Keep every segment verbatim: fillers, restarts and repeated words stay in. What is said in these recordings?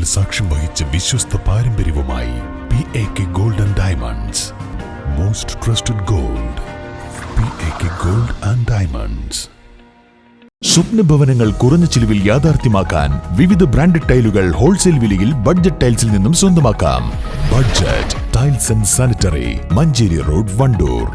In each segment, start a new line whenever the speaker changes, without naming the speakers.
സാക്ഷ്യം വഹിച്ച വിശ്വസ്ത പാരമ്പര്യവുമായി P A K gold and diamonds. Most trusted gold. P A K gold and diamonds. സ്വപ്ന ഭവനങ്ങൾ കുറഞ്ഞ ചിലവിൽ യാഥാർത്ഥ്യമാക്കാൻ വിവിധ ബ്രാൻഡഡ് ടൈലുകൾ ഹോൾസെയിൽ വിലയിൽ ബഡ്ജറ്റ് ടൈൽസിൽ നിന്നും സ്വന്തമാക്കാം. Budget tiles and sanitary, Manjeri road, Wandoor.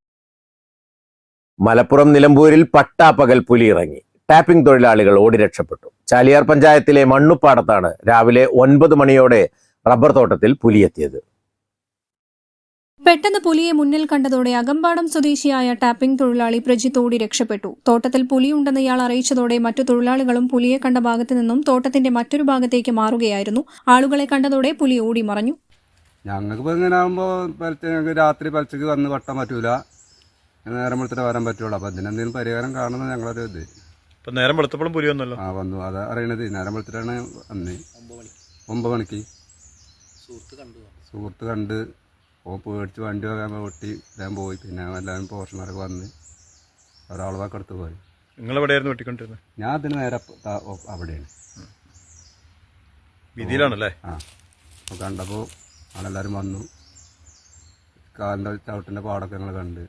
Malappuram നിലമ്പൂരിൽ പട്ടാപ്പകൽ പുലി ഇറങ്ങി. ടാപ്പിംഗ് തൊഴിലാളികൾ ഓടി രക്ഷപ്പെട്ടു. ചാലിയാർ പഞ്ചായത്തിലെ മണ്ണുപ്പാടത്താണ് രാവിലെ ഒൻപത് മണിയോടെ റബ്ബർ തോട്ടത്തിൽ പുലിയെത്തിയത്.
പെട്ടെന്ന് പുലിയെ മുന്നിൽ കണ്ടതോടെ അകമ്പാടം സ്വദേശിയായ ടാപ്പിംഗ് തൊഴിലാളി പ്രജിത്ത് ഓടി രക്ഷപ്പെട്ടു. തോട്ടത്തിൽ പുലിയുണ്ടെന്ന് ഇയാൾ അറിയിച്ചതോടെ മറ്റു തൊഴിലാളികളും പുലിയെ കണ്ട ഭാഗത്തു നിന്നും തോട്ടത്തിന്റെ മറ്റൊരു ഭാഗത്തേക്ക് മാറുകയായിരുന്നു. ആളുകളെ കണ്ടതോടെ പുലി ഓടി മറഞ്ഞു.
ഞങ്ങൾക്ക് ഇങ്ങനെ ആകുമ്പോൾ രാത്രി പലച്ചക്ക് വന്ന് വട്ടാൻ പറ്റൂല, നേരം വെളുത്തിട്ട് വരാൻ പറ്റുള്ളൂ. അപ്പൊ അതിനെന്തെങ്കിലും പരിഹാരം കാണുന്നത് ഞങ്ങളൊരു ഇത്.
നേരം വെളുത്തപ്പോഴും പുലി വന്നല്ലോ.
ആ വന്നു, അതാ അറിയണത്. നേരം വെളുത്തിട്ടാണ് വന്ന് ഒമ്പത് മണിക്ക് സുഹൃത്ത് കണ്ട് ഓ പേടിച്ച് വണ്ടി വാങ്ങാൻ വെട്ടി ഞാൻ പോയി. പിന്നെ എല്ലാവരും പോഷന്മാരൊക്കെ വന്ന് ഒരാൾ വാക്കെടുത്ത് പോയി.
നിങ്ങളെവിടെയായിരുന്നു വെട്ടിക്കൊണ്ടിരുന്നത്?
ഞാൻ അതിന് നേരെ അവിടെയാണ്
വിധിയിലാണല്ലേ.
ആ അപ്പോൾ കണ്ടപ്പോൾ ആളെല്ലാവരും വന്നു. കാലിൻ്റെ ചവിട്ടിൻ്റെ പാടൊക്കെ ഞങ്ങൾ കണ്ട്.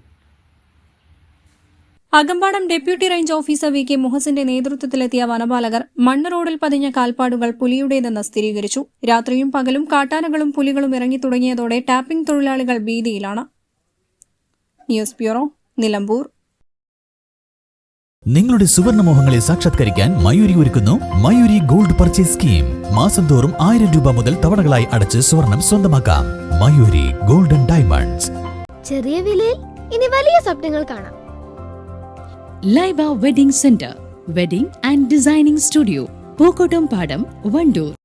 Akampadam deputy range officer V K മുഹസിന്റെ നേതൃത്വത്തിലെത്തിയ വനപാലകർ മണ്ണ് റോഡിൽ പതിഞ്ഞ കാൽപ്പാടുകൾ പുലിയുടേതെന്ന് സ്ഥിരീകരിച്ചു. രാത്രിയും പകലും കാട്ടാനകളും പുലികളും ഇറങ്ങി തുടങ്ങിയതോടെ ടാപ്പിംഗ് തൊഴിലാളികൾ ഭീതിയിലാണ്. News bureau, Nilambur.
നിങ്ങളുടെ സുവർണമോഹങ്ങളെ സാക്ഷാത്കരിക്കാൻ മയൂരി ഒരുക്കുന്നു മയൂരി ഗോൾഡ് പർച്ചേസ് സ്കീം. മാസം തോറും ആയിരം രൂപ മുതൽ തവണകളായി അടച്ച് സ്വർണം സ്വന്തമാക്കാം. Mayuri gold and diamonds.
ചെറിയ വിലയിൽ ഇനി വലിയ സ്വപ്നങ്ങൾ കാണാം.
Laiba wedding centre, wedding and designing studio, Pookkottum Padam, Wandoor.